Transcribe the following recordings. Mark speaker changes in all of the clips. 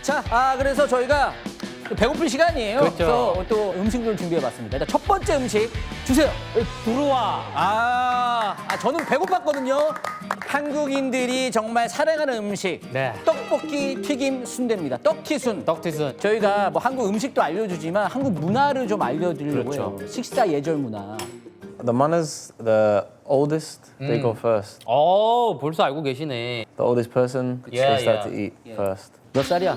Speaker 1: 자, 그래서 저희가 배고플 시간이에요.
Speaker 2: 그렇죠.
Speaker 1: 그래서 또 음식을 준비해봤습니다. 일단 첫 번째 음식 주세요.
Speaker 2: 들어와.
Speaker 1: 저는 배고팠거든요. 한국인들이 정말 사랑하는 음식.
Speaker 2: 네.
Speaker 1: 떡볶이, 튀김, 순대입니다. 떡튀순.
Speaker 2: 떡튀순.
Speaker 1: 저희가 뭐 한국 음식도 알려주지만 한국 문화를 좀 알려드리려고 해요.
Speaker 2: 그렇죠.
Speaker 1: 식사 예절 문화.
Speaker 3: The manners, the oldest, they go first.
Speaker 2: 벌써 알고 계시네.
Speaker 3: The oldest person,
Speaker 2: Yeah,
Speaker 3: they start
Speaker 2: yeah.
Speaker 3: to eat first.
Speaker 1: 몇 살이야?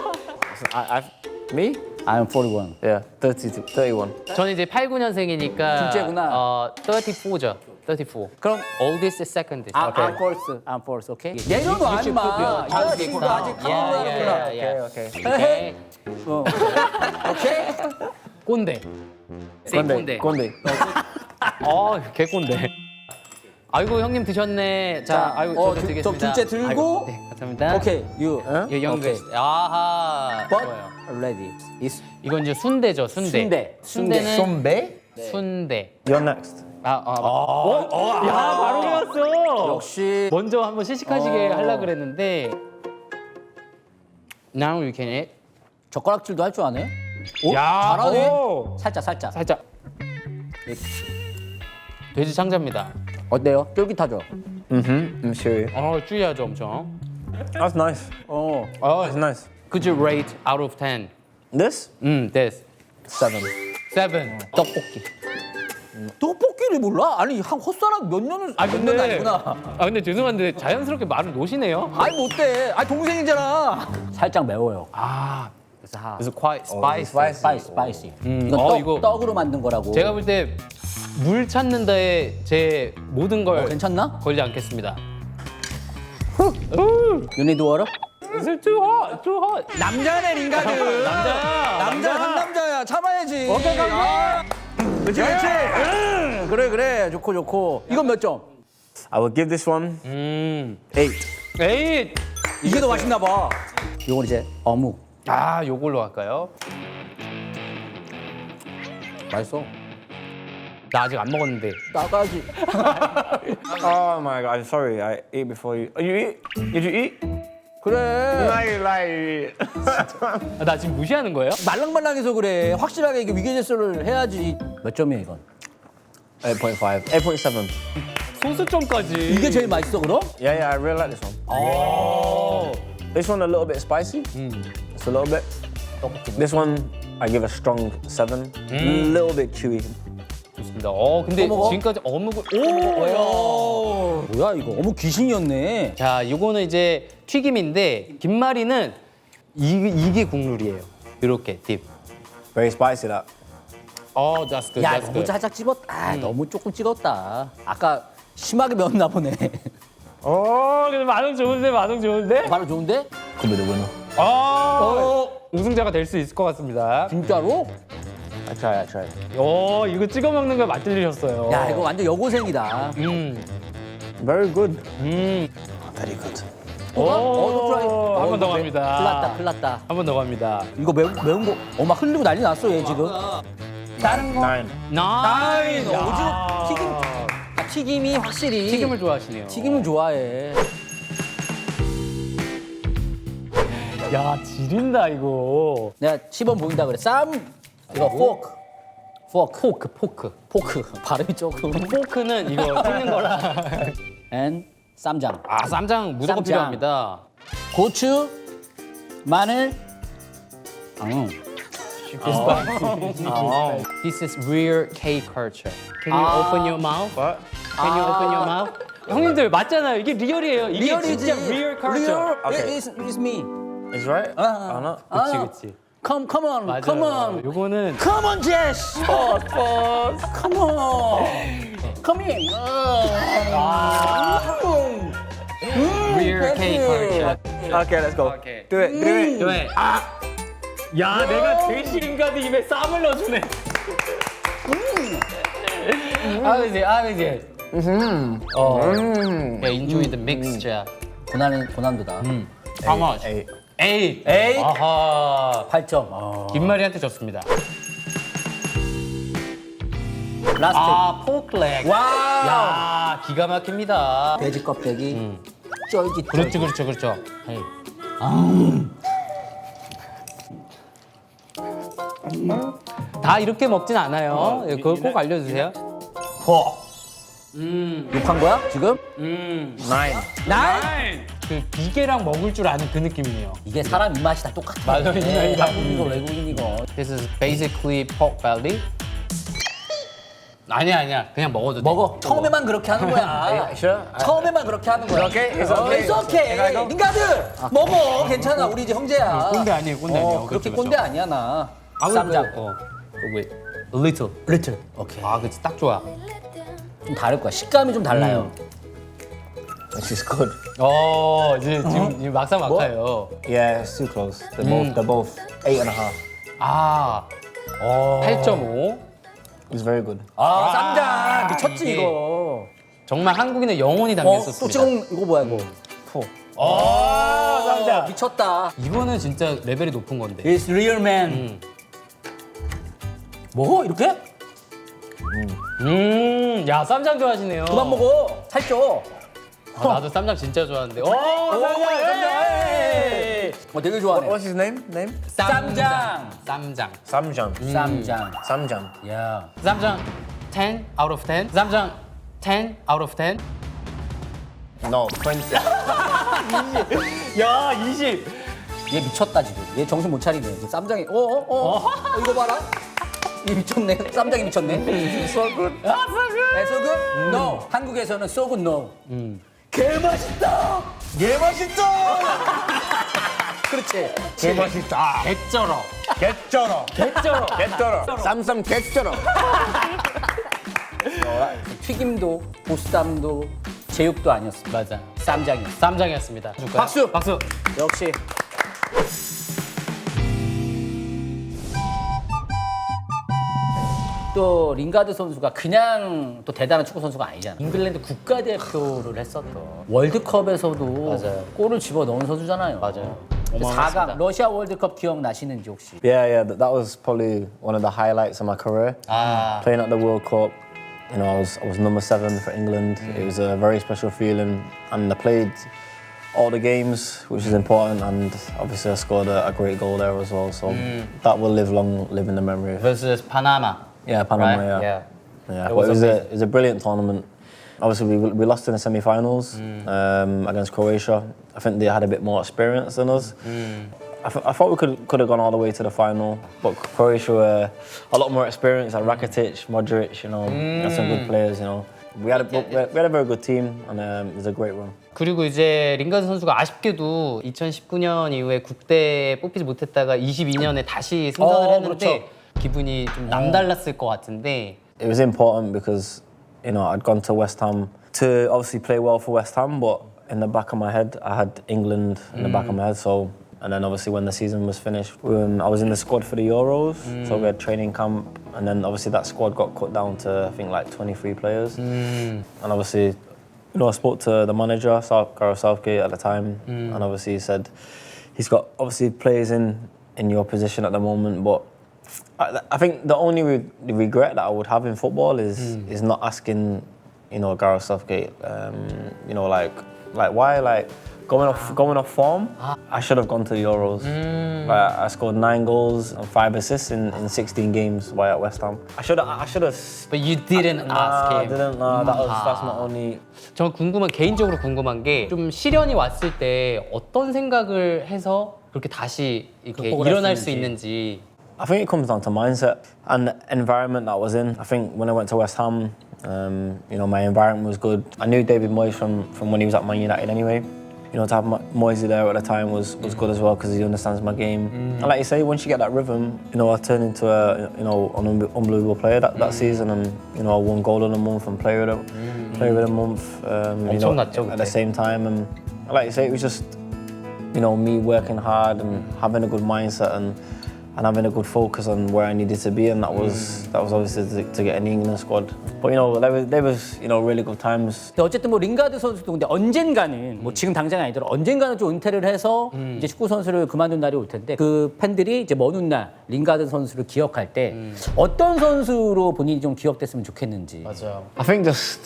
Speaker 3: Me?
Speaker 1: I'm 41.
Speaker 3: Yeah, 30 to 31.
Speaker 2: 저는 이제 89년생이니까
Speaker 1: 둘째구나.
Speaker 2: 34죠. 34.
Speaker 1: 그럼
Speaker 2: oldest second.
Speaker 1: I'm first. I'm first. 오케이. 내려놔 임마. 이 자식아 아직 가만히
Speaker 2: 예.
Speaker 3: Okay.
Speaker 2: 오케이.
Speaker 1: 오케이.
Speaker 2: 꼰대. 세이 꼰대.
Speaker 3: Gonde.
Speaker 2: 개꼰대. 아이고 형님 드셨네. 자, 아이고 저도
Speaker 1: 저
Speaker 2: 드리겠습니다.
Speaker 1: 둘째 들고.
Speaker 2: 아이고, 네, 감사합니다.
Speaker 1: 오케이. You.
Speaker 2: 요 youngest. 아하.
Speaker 1: But
Speaker 2: 좋아요.
Speaker 1: ready. Is
Speaker 2: 이건 이제 순대죠, 순대.
Speaker 1: 순대.
Speaker 2: 순대는
Speaker 3: Sombe?
Speaker 2: 순대.
Speaker 3: You're next.
Speaker 2: 야, 바로 배웠어.
Speaker 1: 역시
Speaker 2: 먼저 한번 시식하시게 하려고 그랬는데 Now you can eat.
Speaker 1: 젓가락질도 할 줄 아네. 오,
Speaker 2: 야,
Speaker 1: 잘하네.
Speaker 2: 오.
Speaker 1: 살짝.
Speaker 2: 살짝. 돼지 창자입니다.
Speaker 1: 어때요? 쫄깃하죠?
Speaker 3: I'm sure.
Speaker 2: 쭈야죠 엄청.
Speaker 3: That's nice. That's nice.
Speaker 2: Could you rate out of 10?
Speaker 3: This?
Speaker 2: This.
Speaker 3: 7.
Speaker 2: 7. 떡볶이.
Speaker 1: 떡볶이를 몰라? 아니 한 헛사람 몇 년을 몇 년도 아니구나.
Speaker 2: 근데 죄송한데 자연스럽게 말을 놓으시네요.
Speaker 1: 아니 못돼. 아니 동생이잖아. 살짝 매워요. 그래서
Speaker 2: 그래서 quite spicy.
Speaker 1: 스파이시.
Speaker 2: 어,
Speaker 1: 이건 떡으로 만든 거라고.
Speaker 2: 제가 볼 때 물 찾는 데에 제 모든 걸
Speaker 1: 괜찮나?
Speaker 2: 걸지 않겠습니다.
Speaker 1: You need water?
Speaker 2: too hot.
Speaker 1: 남자네 링가드. 남자 상남자야. 참아야지. 오케이. 그렇지. 그래. 좋고. 이건 몇 점?
Speaker 3: I will give this one 8.
Speaker 2: 에잇.
Speaker 1: 이게 더 맛있나 봐. 이건 이제 어묵.
Speaker 2: 요걸로 할까요?
Speaker 1: 맛있어.
Speaker 2: 나 아직 안 먹었는데.
Speaker 1: 나가지.
Speaker 3: Oh my god, I'm sorry. I ate before you. You eat? Did you eat?
Speaker 1: 그래.
Speaker 3: Lie.
Speaker 2: 나 지금 무시하는 거예요?
Speaker 1: 말랑말랑해서 그래. 확실하게 이게 위계질서를 해야지. 몇 점이야 이건?
Speaker 3: 8.5. 8.7.
Speaker 2: 소수점까지.
Speaker 1: 이게 제일 맛있어 그럼?
Speaker 3: Yeah, I really like this one. This one a little bit spicy. Just a little bit. This one I give a strong 7. A little bit chewy.
Speaker 2: 좋습니다. 근데
Speaker 1: 또 먹어?
Speaker 2: 지금까지 어묵을
Speaker 1: 뭐야 이거? 어묵 귀신이었네.
Speaker 2: 자, 요거는 이제 튀김인데 김말이는 이게 국룰이에요. 이렇게 딥.
Speaker 3: Very spicy that.
Speaker 2: That's good.
Speaker 1: 야
Speaker 2: That's
Speaker 1: 너무
Speaker 2: good.
Speaker 1: 살짝 찍었다. 너무 조금 찍었다. 아까 심하게 매웠나 보네.
Speaker 2: 근데 반응 좋은데?
Speaker 1: 바로 좋은데?
Speaker 3: Could be the winner.
Speaker 2: 우승자가 될 수 있을 것 같습니다.
Speaker 1: 진짜로?
Speaker 3: I try.
Speaker 2: 이거 찍어 먹는 걸 맛들리셨어요.
Speaker 1: 야 이거 완전 여고생이다.
Speaker 3: Very good.
Speaker 1: 음.
Speaker 3: Very good.
Speaker 2: 한 번 더 갑니다.
Speaker 1: 큰일 났다.
Speaker 2: 한 번 더 갑니다.
Speaker 1: 이거 매운 거 막 흘리고 난리 났어 얘 지금. 다른 거?
Speaker 3: 9.
Speaker 2: 나인.
Speaker 1: 오징어 튀김이 확실히
Speaker 2: 튀김을 좋아하시네요.
Speaker 1: 튀김을 좋아해.
Speaker 2: 야, 지린다 이거.
Speaker 1: 내가 10원 보인다 그래. 이거 포크. 발음이 조금.
Speaker 2: 포크는 이거 튀는 거라.
Speaker 1: and 쌈장.
Speaker 2: 쌈장 무조건
Speaker 1: 쌈장.
Speaker 2: 필요합니다.
Speaker 1: 고추, 마늘.
Speaker 2: This is real K culture. Can you open your mouth?
Speaker 3: What?
Speaker 2: Can you open your mouth? 형님들 맞잖아요. 이게 리얼이에요. 이게
Speaker 1: 리얼이지.
Speaker 2: 진짜 real culture.
Speaker 1: Real.
Speaker 3: Okay.
Speaker 1: It's me.
Speaker 3: Is right? Or not?
Speaker 2: 그치.
Speaker 1: Come on.
Speaker 2: 맞아요.
Speaker 1: Come on.
Speaker 2: 요거는
Speaker 1: Come on, Jess. Come on. Come in.
Speaker 2: real K culture.
Speaker 3: Okay, let's go.
Speaker 2: Okay.
Speaker 3: Do it.
Speaker 2: 왜? 야, 내가 대시림가드 입에 쌈을 넣어주네. 아버지. Yeah, enjoy the mixture.
Speaker 1: 고난도다.
Speaker 2: How much?
Speaker 3: 8.
Speaker 2: 8. 아하.
Speaker 1: 8점.
Speaker 2: 김말이한테 졌습니다.
Speaker 1: 라스트.
Speaker 2: 포클렉.
Speaker 1: 와우.
Speaker 2: 야, 기가 막힙니다.
Speaker 1: 돼지 껍데기. 쫄깃.
Speaker 2: 그렇죠.
Speaker 1: 헤이.
Speaker 2: 다 이렇게 먹진 않아요. 그걸 꼭 알려주세요.
Speaker 1: 욕한 거야 지금?
Speaker 3: Nine.
Speaker 1: 날?
Speaker 2: 그 비계랑 먹을 줄 아는 그 느낌이에요.
Speaker 1: 이게 사람 입맛이 다 똑같아.
Speaker 2: 맞아요.
Speaker 1: 한국인 거 외국인 이거.
Speaker 2: This is basically pork belly. 아니야. 그냥 먹어도 돼.
Speaker 1: 먹어. 처음에만 그렇게 하는 거야.
Speaker 3: Sure?
Speaker 1: 처음에만 그렇게 하는 거야.
Speaker 3: okay? It's okay.
Speaker 1: It's okay. 링가드 먹어. 괜찮아. 우리 이제 형제야.
Speaker 2: 꼰대 아니에요, 꼰대 아니에요.
Speaker 1: 그렇게
Speaker 2: 그렇죠,
Speaker 1: 꼰대 아니야 나.
Speaker 2: 쌈장.
Speaker 1: 쌈장.
Speaker 2: wait. A little.
Speaker 1: 리틀. 오케이.
Speaker 2: 아, 그치. 딱 좋아.
Speaker 1: 좀 다를 거야. 식감이 좀 달라요.
Speaker 3: Which is good.
Speaker 2: 이제 지금 막상 막하요.
Speaker 3: Yeah, it's too close. They're both 8.5.
Speaker 2: 아, 8.5.
Speaker 3: It's very good.
Speaker 1: 쌈장 미쳤지
Speaker 2: 이게
Speaker 1: 이거.
Speaker 2: 정말 한국인의 영혼이 담겨
Speaker 1: 또
Speaker 2: 있었습니다.
Speaker 1: 지금 이거 뭐야 이거? 쌈장 미쳤다.
Speaker 2: 이거는 진짜 레벨이 높은 건데.
Speaker 1: It's real man. 뭐 이렇게?
Speaker 2: 야, 쌈장 좋아하시네요.
Speaker 1: 그만 먹어. 살쪄.
Speaker 2: 나도 쌈장 진짜 좋아하는데.
Speaker 1: 되게 좋아하네.
Speaker 3: What's his name?
Speaker 1: 쌈장.
Speaker 2: 쌈장.
Speaker 3: Samjang.
Speaker 1: 쌈장.
Speaker 3: Samjang.
Speaker 1: 야.
Speaker 2: 쌈장 10 out of 10. 쌈장 10 out of 10.
Speaker 3: No, 20.
Speaker 2: 야, 20.
Speaker 1: 얘 미쳤다 지금. 얘 정신 못 차리네. 이제 쌈장이. 이거 봐라. 얘 미쳤네. 쌈장이 미쳤네.
Speaker 3: So good.
Speaker 1: So good? No. 한국에서는 so good no. 개 맛있다.
Speaker 3: 개 맛있다.
Speaker 1: 그렇지.
Speaker 3: 개 맛있다.
Speaker 2: 개쩔어.
Speaker 3: 개쩔어.
Speaker 2: 개쩔어.
Speaker 3: 개쩔어. 쌈쌈 개쩔어.
Speaker 1: 튀김도 보쌈도 제육도 아니었어.
Speaker 2: 맞아.
Speaker 1: 쌈장이었어.
Speaker 2: 쌈장이었습니다. 줄까요?
Speaker 1: 박수!
Speaker 2: 박수.
Speaker 1: 역시. 또 링가드 선수가 그냥 또 대단한 축구 선수가 아니잖아. 잉글랜드 국가대표를 했었던 월드컵에서도
Speaker 2: 맞아요.
Speaker 1: 골을 집어 넣은 선수잖아요.
Speaker 2: 맞아요.
Speaker 1: 4강 러시아 월드컵 기억나시는지 혹시?
Speaker 3: Yeah, that was probably one of the highlights of my career. Playing at the World Cup, you know, I was number 7 for England. It was a very special feeling, and I played all the games, which is important, and obviously I scored a great goal there as well. So that will live in the memory.
Speaker 2: versus Panama.
Speaker 3: Yeah, Panama.
Speaker 2: Right?
Speaker 3: Yeah.
Speaker 2: Yeah.
Speaker 3: But it was a brilliant tournament. Obviously, we lost in the semi-finals against Croatia. I think they had a bit more experience than us. I thought we could have gone all the way to the final, but Croatia were a lot more experienced. Like Rakitic, Modric, you know, had some good players. You know, we had a very good team, and it was a great run.
Speaker 2: 그리고 이제 링가드 선수가 아쉽게도 2019년 이후에 국대에 뽑히지 못했다가 22년에 다시 승선을 했는데
Speaker 1: 그렇죠.
Speaker 2: 기분이 좀 남달랐을 것 같은데.
Speaker 3: It was important because, you know, I'd gone to West Ham to obviously play well for West Ham, but in the back of my head, I had England in the back of my head. So, and then obviously when the season was finished, I was in the squad for the Euros. So we had training camp, and then obviously that squad got cut down to I think like 23 players. And obviously, you know, I spoke to the manager, Gareth Southgate at the time, and obviously he said he's got obviously players in your position at the moment, but I think the only regret that I would have in football is not asking, you know, Gareth Southgate, you know, like why, like going off form. I should have gone to the Euros. Like, I scored 9 goals and 5 assists in 16 games while at West Ham. I should have.
Speaker 2: But you didn't ask
Speaker 3: I
Speaker 2: him.
Speaker 3: didn't. That's my only.
Speaker 2: 저 개인적으로 궁금한 게 좀 시련이 왔을 때 어떤 생각을 해서 그렇게 다시 이렇게
Speaker 1: 극복을 할
Speaker 2: 일어날
Speaker 1: 수
Speaker 2: 수 있는지.
Speaker 3: I think it comes down to mindset and the environment that I was in. I think when I went to West Ham, you know, my environment was good. I knew David Moyes from when he was at Man United anyway. You know, to have Moyes there at the time was good as well because he understands my game. And like you say, once you get that rhythm, you know, I turned into an unbelievable player that season, and you know, I won goal of the month and player of the month. You know, at the same time, and like you say, it was just, you know, me working hard and having a good mindset and having a good focus on where I needed to be, and that was obviously to get in the England squad. But you know, there was you know really good times.
Speaker 1: 근데 어쨌든 뭐 링가드 선수도 근데 언젠가는 뭐 지금 당장이 아니더라도 언젠가는 좀 은퇴를 해서 이제 축구 선수를 그만둔 날이 올 텐데 그 팬들이 이제 먼 훗날 링가드 선수를 기억할 때 어떤 선수로 본인이 좀 기억됐으면 좋겠는지.
Speaker 2: 맞아요.
Speaker 3: I think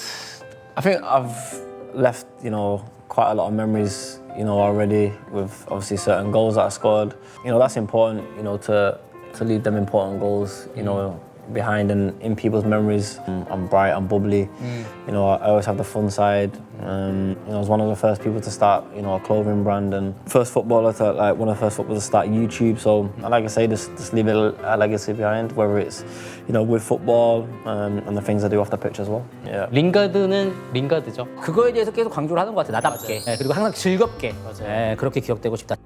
Speaker 3: I've left you know quite a lot of memories you know already with obviously certain goals that I scored. You know that's important you know to to leave them important goals, you know, behind and in people's memories. I'm bright, I'm bubbly. You know, I always have the fun side. You know, I was one of the first people to start, you know, a clothing brand and first footballer to, like, one of the first footballers to start YouTube. So, like I say, just leave a legacy behind, whether it's, you know, with football and the things I do off the pitch as well. Yeah.
Speaker 2: 링가드는 링가드죠.
Speaker 1: 그거에 대해서 계속 강조를 하는 것 같아. 나답게. 예, 그리고 항상 즐겁게. 예, 그렇게 기억되고 싶다.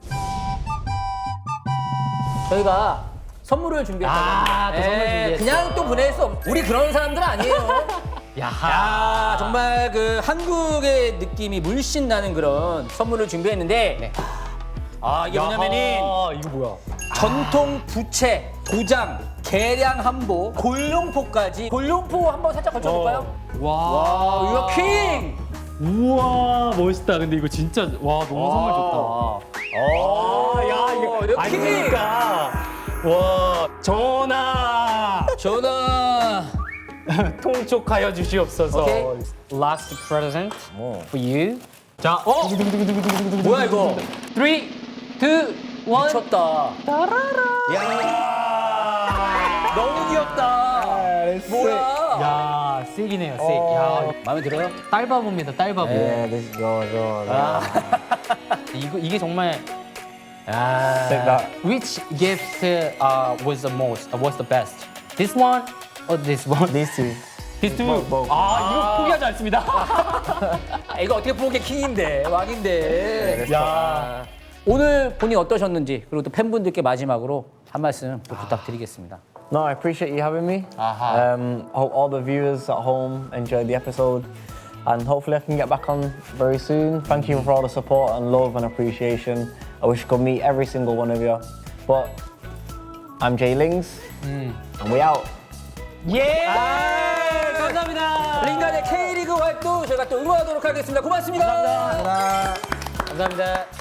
Speaker 1: 저희가 선물을 준비했다고.
Speaker 2: 또 선물 준비했어.
Speaker 1: 그냥 또 보낼 수 없. 우리 그런 사람들 아니에요. 야, 정말 그 한국의 느낌이 물씬 나는 그런 선물을 준비했는데.
Speaker 2: 네.
Speaker 1: 아, 이게 뭐냐면은
Speaker 2: 이거 뭐야?
Speaker 1: 전통 부채, 도장, 계량 한보, 골룡포까지. 골룡포 한번 살짝 걸쳐볼까요? 와, 이거 킹!
Speaker 2: 우와 멋있다. 근데 이거 진짜 와 너무 선물 좋다.
Speaker 1: 야, 이거 킹!
Speaker 2: 와 전하 통촉하여 주시옵소서.
Speaker 1: 오케이.
Speaker 2: Last present for you. 자,
Speaker 1: 뭐야 이거?
Speaker 2: 3, 2, 1.
Speaker 1: 미쳤다. 야, 너무 귀엽다. 뭐야?
Speaker 2: 야, 쌔이네요, 쌔. 야,
Speaker 1: 마음에 들어요?
Speaker 2: 딸바보입니다, 딸바보.
Speaker 3: Yeah, this
Speaker 2: 이게 정말.
Speaker 3: Take that.
Speaker 2: Which gift was the most? Was the best? This one or this one?
Speaker 3: These two.
Speaker 2: These two. 이거 포기하지 않습니다.
Speaker 1: 이거 어떻게 보게 킹인데 왕인데. 야. 오늘 본인 어떠셨는지 그리고 또 팬분들께 마지막으로 한 말씀 또 부탁드리겠습니다.
Speaker 3: No, I appreciate you having me.
Speaker 2: Uh-huh.
Speaker 3: Hope all the viewers at home enjoyed the episode, and hopefully I can get back on very soon. Thank you for all the support and love and appreciation. I wish I could meet every single one of you, but I'm Jay Lings, and we out.
Speaker 2: 예! 감사합니다.
Speaker 1: 링가의 K리그 활동 저희가 또 응원하도록 하겠습니다. 고맙습니다.
Speaker 2: 감사합니다.